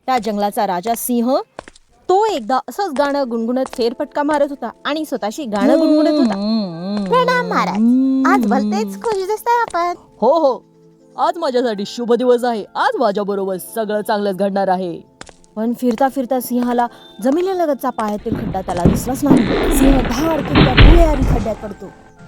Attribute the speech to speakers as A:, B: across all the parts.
A: त्या जंगलाचा राजा सिंह तो एकदा असंच गाणं गुणगुणत फेरफटका मारत होता आणि स्वतःशी गाणं गुणगुणत होता.
B: प्रणाम महाराज, आज भलतेच खुश दिसताय आपण.
A: हो हो, आज माझ्यासाठी शुभ दिवस आहे. आज माझ्या बरोबर सगळं चांगलंच घडणार आहे. पण फिरता फिरता सिंहाला जमिनीलगतचा पायातील खड्डा त्याला दिसलाच नाही. सिंह धाडकन त्या भुयारी खड्ड्यात पडतो.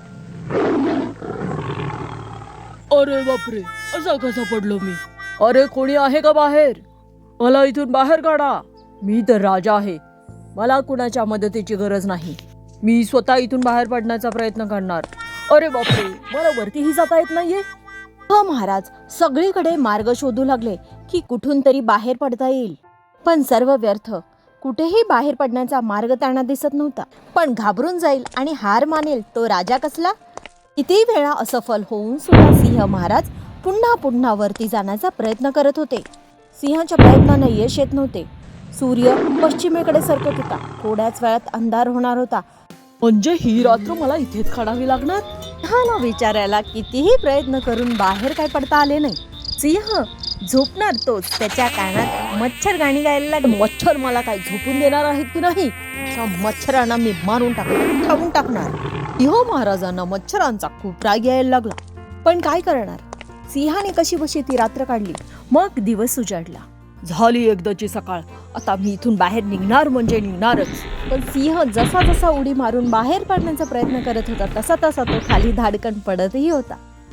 A: अरे बापरे, असा कसा पडलो मी? अरे कोणी आहे का बाहेर? मला इथून बाहेर काढा. मी तर राजा आहे, मला कुणाच्या मदतीची गरज नाही. मी स्वतः इथून बाहेर पडण्याचा प्रयत्न करणार. अरे बापरे, मला वरतीही जाता येत नाहीये. हो महाराज सगळीकडे मार्ग शोधू लागले की कुठून तरी बाहेर पडता येईल, पण सर्व व्यर्थ. कुठेही बाहेर पडण्याचा मार्ग त्यांना दिसत नव्हता. पण घाबरून जाईल आणि हार मानेल तो राजा कसला? किती वेळा असफल होऊन सुद्धा सिंह महाराज पुन्हा पुन्हा वरती जाण्याचा प्रयत्न करत होते. सिंहाच्या प्रयत्नांना यश येत नव्हते. सूर्य पश्चिमेकडे सरकत होता. थोड्याच वेळात अंधार होणार होता. म्हणजे ही रात्र मला इथेच काढावी लागणार? सिंहाला विचारायला कितीही प्रयत्न करून बाहेर काय पडता आले नाही. सिंह झोपणार तोच त्याच्या कानात मच्छर गाणी गायला लागले. मच्छर मला काय झोपून देणार आहेत की नाही? त्या मच्छरांना मी मारून टाकणार, खाऊन टाकणार. सिंह महाराजांना मच्छरांचा खूप राग यायला लागला. पण काय करणार? सिंहाने कशी बशी ती रात्र काढली. मग दिवस उजाडला. झाली एकदाची सकाळ. आता मी इथून बाहेर निघणार म्हणजे निघणारच. पण सिंह जसा जसा उडी मारून बाहेर पडण्याचा प्रयत्न करत होता तसा तसा तो खाली धाडकन पडतही होता.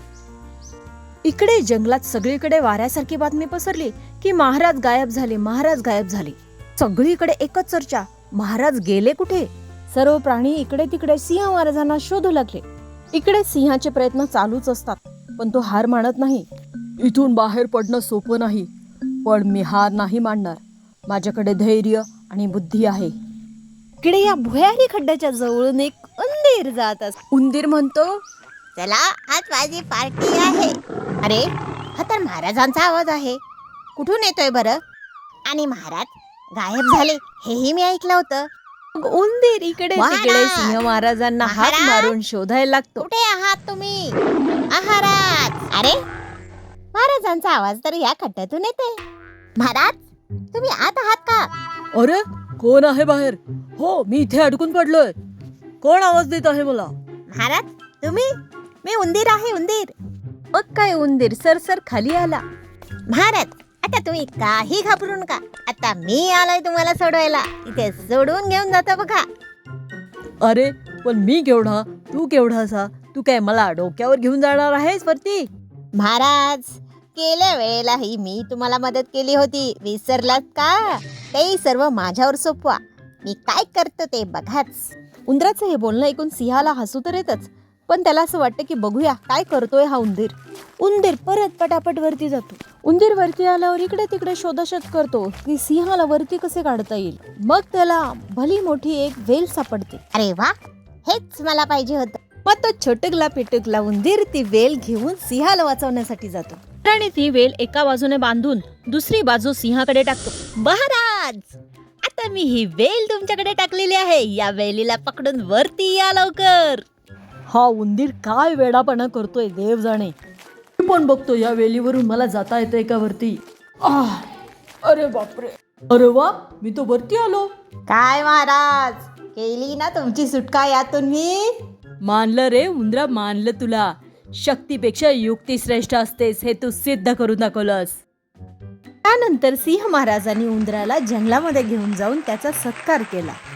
A: इकडे जंगलात सगळीकडे वाऱ्यासारखी बातमी पसरली की महाराज गायब झाले, महाराज गायब झाले. सगळीकडे एकच चर्चा, महाराज गेले कुठे? सर्व प्राणी इकडे तिकडे सिंह महाराजांना शोधू लागले. इकडे सिंहाचे प्रयत्न चालूच असतात, पण तो हार मानत नाही. इथून बाहेर पडणं सोपं नाही, पण मी हार नाही मानणार. माझ्याकडे धैर्य आणि बुद्धी आहे. इकडे या भुयारी खड्ड्याच्या जवळून एक उंदीर जात असतो. उंदीर म्हणतो,
B: चला आज माझी पार्टी आहे. अरे हा तर महाराजांचा आवाज आहे. कुठून येतोय बरं? आणि महाराज गायब झाले हेही मी ऐकलं होतं.
A: उंदीर इकडे
B: महाराज!
A: तिकडे सिंह महाराजांना हात
B: महाराज!
A: मारून शोधायला लागतो.
B: कुठे आहात तुम्ही? महाराज! अरे महाराजांचा आवाज तर या खड्ड्यातून येते. महाराज तुम्ही आत आहात का?
A: अरे कोण आहे बाहेर? हो मी इथे अडकून पडलोय. कोण आवाज देत आहे मला?
B: महाराज तुम्ही? मी उंदीर आहे, उंदीर.
A: मग काय उंदीर सरसर खाली आला.
B: महाराज आता तुम्ही काही घाबरू नका. आता मी आलोय तुम्हाला सोडवायला. इथे सोडून घेऊन जातो बघा.
A: अरे पण मी केवढा, तू केवढासा? तू काय मला डोक्यावर घेऊन जाणार आहेस वरती?
B: महाराज गेल्या वेळेलाही मी तुम्हाला मदत केली होती, विसरलात का? ते सर्व माझ्यावर सोपवा. मी काय करतो ते बघाच.
A: उंदराचं हे बोलणं ऐकून सिंहाला हसू तर येतच, पण त्याला असं वाटतं की बघूया काय करतोय हा उंदीर. उंदीर परत पटापट वरती जातो. उंदीर वरती आल्यावर इकडे तिकडे शोधाशोध करतो की सिंहाला वरती कसे काढता येईल. मग त्याला भली मोठी एक वेल सापडते.
B: अरे वा, हेच मला पाहिजे होतं.
A: मग तो छोटकला पिटकला उंदीर ती वेल घेऊन सिंहाला वाचवण्यासाठी जातो आणि ती वेल एका बाजूने बांधून दुसरी बाजू सिंहाकडे टाकतो.
B: महाराज आता मी ही वेल तुमच्याकडे टाकलेली आहे. या वेलीला पकडून वरती या लवकर.
A: हा उंदीर काय वेडापणा करतोय देव जाणे. मी पण बघतो या वेलीवरून मला जाता येतंय का वरती. अरे बापरे, अरे वा, मी तो वरती आलो.
B: काय महाराज केली ना तुमची सुटका यातून मी?
A: मानलं रे उंदरा, मानलं तुला. शक्तीपेक्षा युक्ती श्रेष्ठ असतेस हे तू सिद्ध करून दाखवलंस. त्यानंतर सिंह महाराजांनी उंदराला जंगलामध्ये घेऊन जाऊन त्याचा सत्कार केला.